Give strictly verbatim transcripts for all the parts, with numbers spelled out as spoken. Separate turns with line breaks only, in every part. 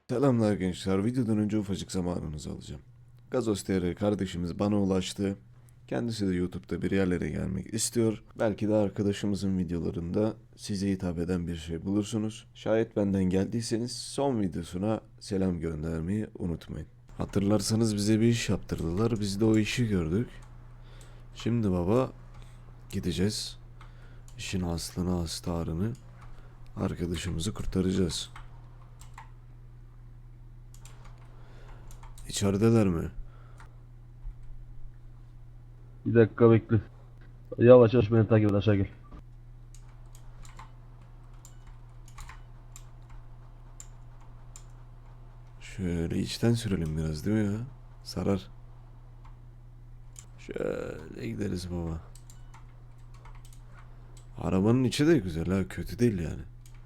Selamlar gençler. Videodan önce ufacık zamanınızı alacağım. Gazos T R kardeşimiz bana ulaştı. Kendisi de YouTube'da bir yerlere gelmek istiyor. Belki de arkadaşımızın videolarında size hitap eden bir şey bulursunuz. Şayet benden geldiyseniz son videosuna selam göndermeyi unutmayın. Hatırlarsanız bize bir iş yaptırdılar. Biz de o işi gördük. Şimdi baba gideceğiz. İşin aslını astarını arkadaşımızı kurtaracağız. İçerideler mi?
Bir dakika bekle. Yavaş yavaş beni takip et, aşağı gel.
Şöyle içten sürelim biraz değil mi ya? Sarar. Şöyle gideriz baba. Arabanın içi de güzel ha, kötü değil yani.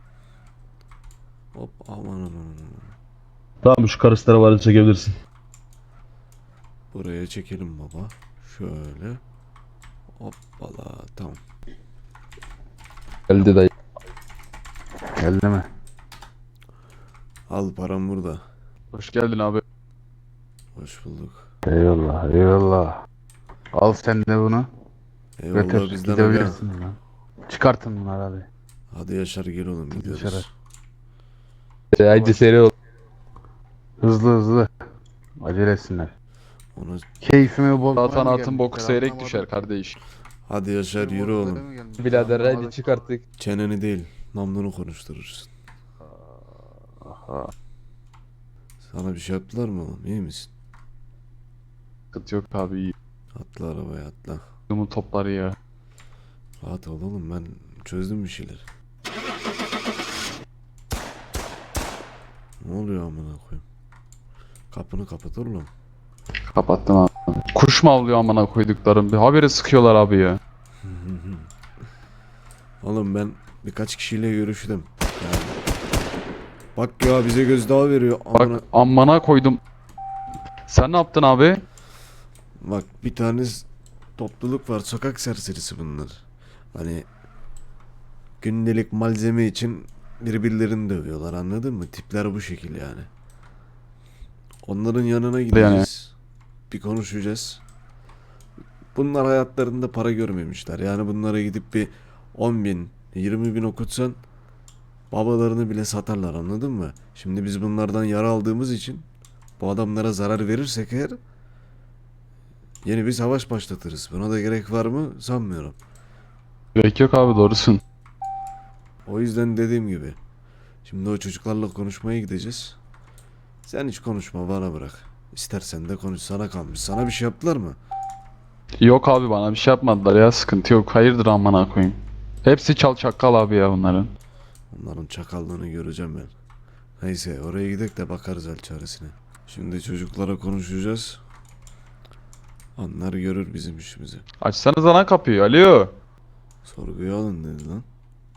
Hop aman aman aman.
Tamam, şu karısları var, çekebilirsin.
Buraya çekelim baba. Şöyle. Hoppala tamam.
Geldi dayı. Geldi mi?
Al param burada.
Hoş geldin abi.
Hoş bulduk.
Eyvallah, eyvallah. Al sen de bunu.
Eyvallah
Götür,
bizden aga.
gidebilirsin lan. Çıkartın bunları hadi.
Hadi Yaşar gel oğlum
Dışarı.
gidiyoruz.
Haydi seri ol.
Hızlı hızlı. Acele etsinler.
Onu...
Keyfimi bozmaya
Zaten
mı
atın
gelmişler,
boku seyrek
anlamadım.
düşer kardeş.
Hadi Yaşar yürü
Keyfimi bozmaya
oğlum.
mı gelmişler,
Birader haydi
anlamadım.
çıkarttık.
Çeneni değil namlunu konuşturursun.
Aha.
Sana bir şey yaptılar mı oğlum, iyi misin?
Sıkıntı yok abi, iyi.
Atla arabaya atla.
Bunun topları ya.
Rahat ol oğlum, ben çözdüm bir şeyler. Ne oluyor amına koyayım? Kapını kapat oğlum.
Kapattım abi. Kuş mu avlıyor amına koyduklarım? Bir haberi sıkıyorlar abi ya.
Oğlum ben birkaç kişiyle görüştüm. Yani. Bak ya bize gözdağı veriyor. Amına...
Bak amına koydum. Sen ne yaptın abi?
Bak bir tane topluluk var, sokak serserisi bunlar. Hani gündelik malzeme için birbirlerini dövüyorlar, anladın mı? Tipler bu şekil yani. Onların yanına gideceğiz. Bir konuşacağız. Bunlar hayatlarında para görmemişler. Yani bunlara gidip bir on bin, yirmi bin okutsan babalarını bile satarlar, anladın mı? Şimdi biz bunlardan yara aldığımız için bu adamlara zarar verirsek eğer yeni bir savaş başlatırız. Buna da gerek var mı sanmıyorum.
Gerek yok abi, doğrusun.
O yüzden dediğim gibi şimdi o çocuklarla konuşmaya gideceğiz. Sen hiç konuşma, bana bırak. İstersen de konuş, sana kalmış. Sana bir şey yaptılar mı?
Yok abi, bana bir şey yapmadılar ya, sıkıntı yok. Hayırdır amına koyayım. Hepsi çal çakal abi ya bunların.
Onların çakallığını göreceğim ben. Neyse oraya gidelim de bakarız el çaresine. Şimdi çocuklara konuşacağız. Onlar görür bizim işimizi.
Açsanıza lan kapıyı, alo.
Sorguya alın dedi lan.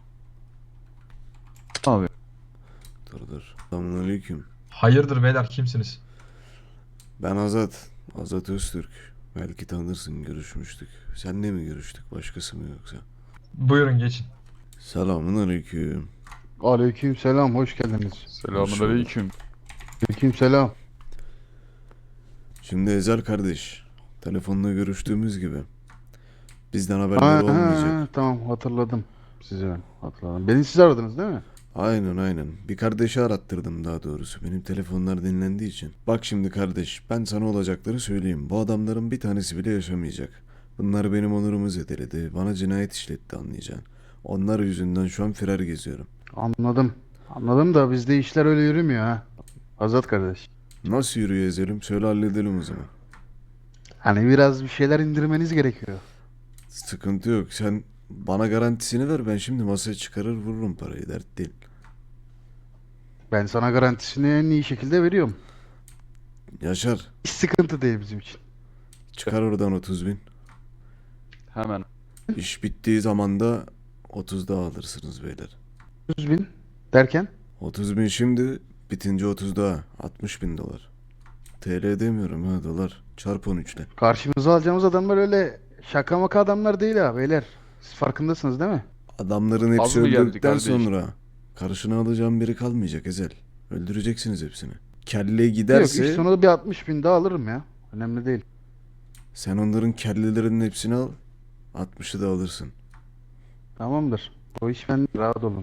Abi.
Dur dur. Selamünaleyküm.
Hayırdır beyler, kimsiniz?
Ben Azat. Azat Öztürk. Belki tanırsın, görüşmüştük. Senle mi görüştük, başkası mı yoksa?
Buyurun geçin.
Selamünaleyküm.
Aleyküm selam, hoş geldiniz.
Selamünaleyküm.
Aleyküm selam.
Şimdi Ezel kardeş. Telefonla görüştüğümüz gibi. Bizden
Ha,
haberleri
ha,
olmayacak.
ha, tamam hatırladım. Sizi ben hatırladım. Beni siz aradınız değil mi?
Aynen aynen. Bir kardeşi arattırdım daha doğrusu. Benim telefonlar dinlendiği için. Bak şimdi kardeş, ben sana olacakları söyleyeyim. Bu adamların bir tanesi bile yaşamayacak. Bunlar benim onurumu zedeledi. Bana cinayet işletti, anlayacaksın. Onlar yüzünden şu an firar geziyorum.
Anladım. Anladım da bizde işler öyle yürümüyor ha. Azat kardeş.
Nasıl yürüyor Ezel'im? Söyle halledelim o zaman.
Hani biraz bir şeyler indirmeniz gerekiyor.
Sıkıntı yok. Sen bana garantisini ver. Ben şimdi masaya çıkarır vururum parayı. Dert değil.
Ben sana garantisini en iyi şekilde veriyorum.
Yaşar.
Hiç sıkıntı değil bizim için.
Çıkar oradan otuz bin.
Hemen.
İş bittiği zaman da otuz daha alırsınız beyler.
yüz bin derken
otuz bin şimdi, bitince otuz daha. altmış bin dolar. T L demiyorum ha, dolar. Çarp on üç ile.
karşımıza alacağımız adamlar öyle şaka maka adamlar değil ha beyler. Siz farkındasınız değil mi?
Adamların
Az
hepsi
mı geldi
öldükten
kardeş?
sonra karşına alacağım biri kalmayacak Ezel. Öldüreceksiniz hepsini. Kelle
Yok
giderse
iş sonu bir altmış bin daha alırım ya. Önemli değil.
sen onların kellelerinin hepsini al. altmışı da alırsın.
Tamamdır. O iş ben rahat olun.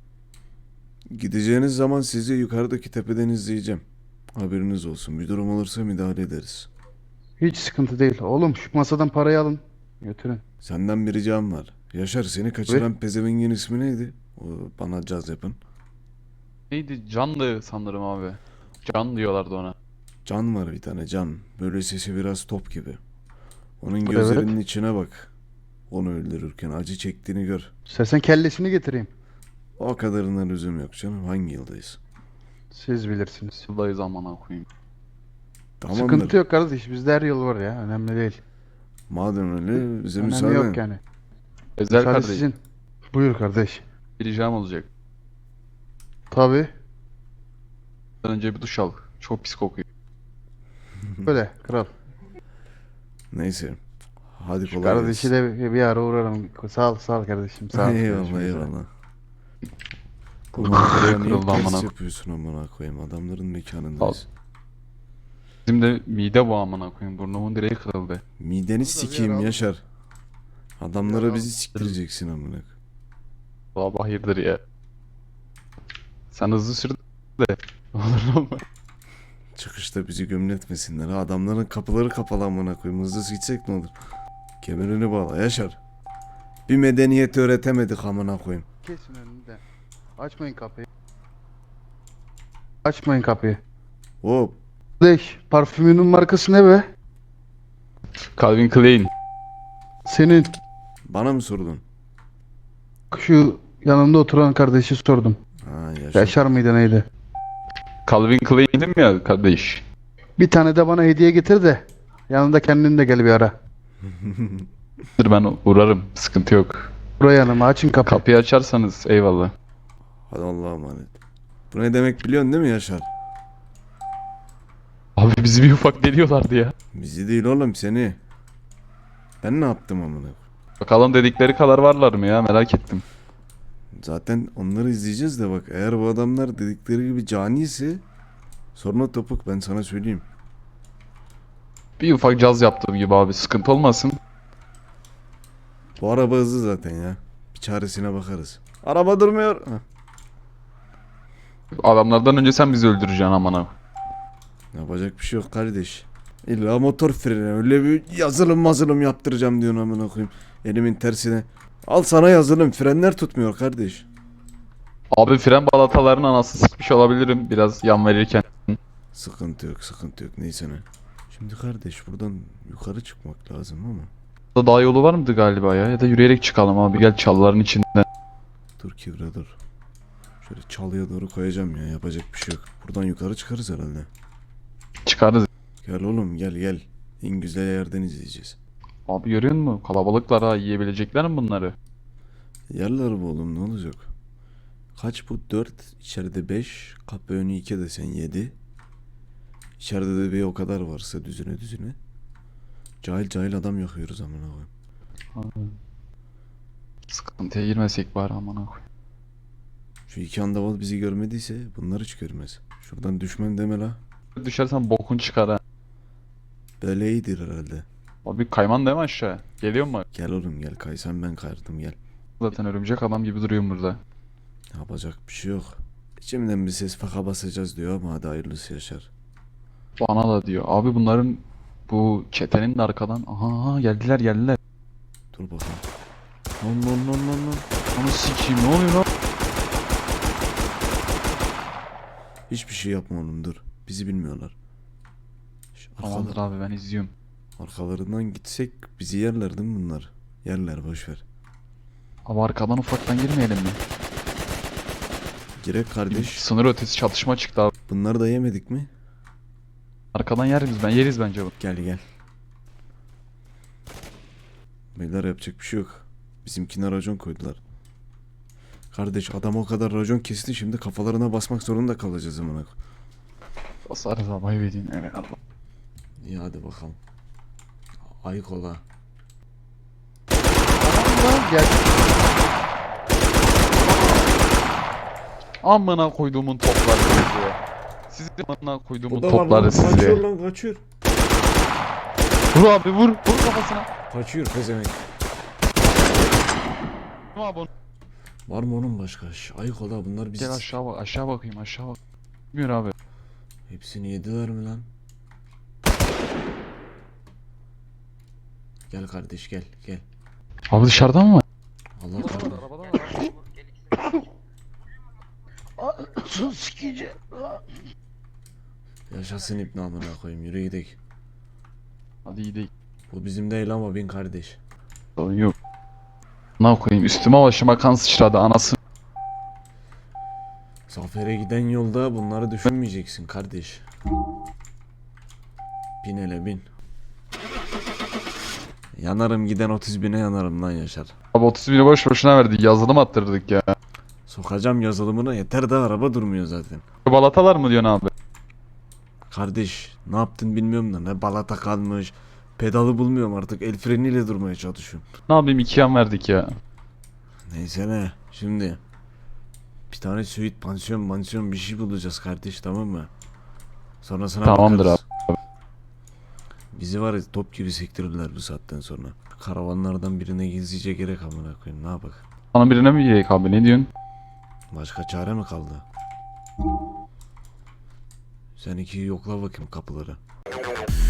Gideceğiniz zaman sizi yukarıdaki tepeden izleyeceğim. Haberiniz olsun. Bir durum olursa müdahale ederiz.
Hiç sıkıntı değil. Oğlum şu masadan parayı alın. Götürün.
Senden bir ricam var. Yaşar, seni kaçıran pezevengin ismi neydi? O, bana caz yapın.
Neydi? Can'dı sanırım abi. Can diyorlardı ona.
Can var bir tane, Can. Böyle sesi biraz top gibi. Onun
Evet.
gözlerinin içine bak. Onu öldürürken acı çektiğini gör.
İstersen kellesini getireyim.
O kadarına lüzum yok canım. Hangi yıldayız?
Siz bilirsiniz.
Yıldayız amına koyayım.
Tamamdır.
Sıkıntı yok kardeş. Bizde her yol var ya. Önemli değil.
Madem öyle bize
Önemli
müsaade.
yok yani.
Özel
Müsaade
kardeşim.
sizin. Buyur kardeş.
Bir ricam olacak.
Tabii.
Önce bir duş al. Çok pis kokuyor.
Böyle kral.
Neyse. Hadi kolay
Kardeşi
gelsin.
de bir, bir ara uğrarım. Sağ ol, sağ ol kardeşim. Sağ ol.
Eyvallah
Görüşmek üzere.
eyvallah. Bu
Kırıldı
manzaraya niye
amına
ters
koyayım.
yapıyorsun amına koyayım? Adamların mekanındayız.
Bizim de mide bu amına koyayım. Burnumun direği kırıldı.
Mideni
bir
sikeyim
ara-
Yaşar. Adamlara
Ya-
bizi siktireceksin amına koyayım.
Baba hayırdır ya. Sen hızlı sür de. Olur mu?
Çıkışta bizi gömletmesinler. Ha, adamların kapıları kapalı amına koyayım. Hızlı gitsek ne olur? Kemerini bağla Yaşar. Bir medeniyet öğretemedik amına koyayım.
Kesin önünde. Açmayın kapıyı. Açmayın kapıyı.
Hop.
Kardeş, parfümünün markası ne be?
Calvin Klein.
Senin
Bana mı sordun?
şu yanımda oturan kardeşi sordum.
Ha Yaşar.
Yaşar mıydı neydi?
Calvin Klein'dim ya kardeş.
Bir tane de bana hediye getir de yanında kendin de gel bir ara.
Dur ben uğrarım. Sıkıntı yok.
Buraya yanıma açın kapıyı.
Kapıyı açarsanız eyvallah.
Hadi Allah'a emanet. Bu ne demek biliyorsun değil mi Yaşar?
Abi bizi bir ufak deliyorlardı ya.
Bizi değil oğlum, seni. Ben ne yaptım amına koyayım?
Bakalım dedikleri kadar varlar mı ya, merak ettim.
Zaten onları izleyeceğiz de bak, eğer bu adamlar dedikleri gibi cani ise sonra topuk, ben sana söyleyeyim.
Bir ufak caz yaptığım gibi abi, sıkıntı olmasın.
Bu araba hızlı zaten ya. Bir çaresine bakarız. Araba durmuyor. Heh.
Adamlardan önce sen bizi öldüreceksin amına.
Yapacak bir şey yok kardeş. İlla motor freni, öyle bir yazılım mazılım yaptıracağım diyorsun amına koyayım. Elimin tersine. Al sana yazılım, frenler tutmuyor kardeş.
Abi fren balatalarının anası sıkmış olabilirim biraz yan verirken.
Sıkıntı yok, sıkıntı yok, neyse ne. Şimdi kardeş buradan yukarı çıkmak lazım ama.
Burada dağ yolu var mıydı galiba ya? Ya da yürüyerek çıkalım abi, gel çalıların içinden.
Dur Kivra dur. Şöyle çalıya doğru koyacağım ya, yapacak bir şey yok. Buradan yukarı çıkarız herhalde.
Çıkarız.
Gel oğlum, gel gel. En güzel yerden izleyeceğiz.
Abi görüyor musun? Kalabalıklar ha, yiyebilecekler mi bunları?
Yerler bu oğlum, ne olacak? Kaç bu? dört, içeride beş, kapı önü iki desen yedi. İçeride de bir o kadar varsa düzüne düzüne. Cahil cahil adam yakıyoruz amına koyayım.
Sıkıntıya girmesek bari amına koy.
Şu iki andaval bizi görmediyse bunlar hiç görmez. Şuradan düşmem deme la.
Düşersen bokun çıkar ha.
Böyle iyidir herhalde.
Abi kayman değil mi aşağı? Geliyor mu?
Gel oğlum gel, kaysan ben kayardım gel.
Zaten örümcek adam gibi duruyorum burada.
Yapacak bir şey yok. İçimden bir ses faka basacağız diyor ama hadi hayırlısı Yaşar.
Bana da diyor. Abi bunların bu çetenin de arkadan. Aha aha, geldiler geldiler.
Dur bakalım. Lan lan lan lan lan.
Onu sikeyim, ne oluyor lan?
Hiçbir şey yapma oğlum, dur. Bizi bilmiyorlar. Şu
Tamamdır
arkalar-
abi, ben izliyorum.
arkalarından gitsek bizi yerler değil mi bunlar? Yerler, boşver.
Abi arkadan ufaktan girmeyelim mi?
Girek kardeş.
Sınır ötesi çatışma çıktı abi.
Bunları da yemedik mi?
Arkadan yeriz ben yeriz bence bu.
Gel gel. Beyler yapacak bir şey yok. Bizimkine racon koydular. Kardeş adam o kadar racon kesti, şimdi kafalarına basmak zorunda kalacağız amına koyayım.
Basarız abi, ayıp edin. Evet Allah.
İyi hadi bakalım. Ayık ola.
Tamam da gel.
Amına koyduğumun topları sizi. Sizi amına koyduğumun
O da var lan,
topları
kaçıyor
sizi.
lan kaçıyor.
Vur abi vur. Vur kafasına.
Kaçıyor pezevenk.
Vur abi onu.
Var mı onun başka? Şş, ayık ol ha, bunlar bizi...
Gel aşağı bak. Aşağı bakayım aşağı bak. Bilmiyor abi.
Hepsini yediler mi lan? Gel kardeş gel gel.
Abi dışarıdan mı?
Allah kahretsin.
Arabadan var.
Sus sikici.
Yaşasın İbn amına koyayım, yürü gidelim.
Hadi iyi değil.
Bu bizim değil ama bin kardeş.
Sorun yok. Ne koyayım üstüme başıma kan sıçradı anası.
Zafer'e giden yolda bunları düşünmeyeceksin kardeş. Bin hele bin. Yanarım giden otuz bine yanarım lan Yaşar.
Abi otuz bini boş boşuna verdik yazılım attırdık ya.
Sokacağım yazılımına, yeter de araba durmuyor zaten.
Balatalar mı diyorsun abi?
Kardeş ne yaptın bilmiyorum da ne balata kalmış. Pedalı bulmuyorum artık, el freniyle durmaya çalışıyorum.
Ne yapayım iki yan verdik ya.
Neyse ne şimdi. Bir tane suite pansiyon mansiyon bir şey bulacağız kardeş, tamam mı? Sonrasına
Tamamdır
bakarız. Bizi var ya top gibi sektirirler bu saatten sonra. Karavanlardan birine gizlice gerek amına koyayım, ne yapak?
Sana birine mi gireyim abi ne diyorsun?
Başka çare mi kaldı? Sen ikiyi yokla bakayım kapıları.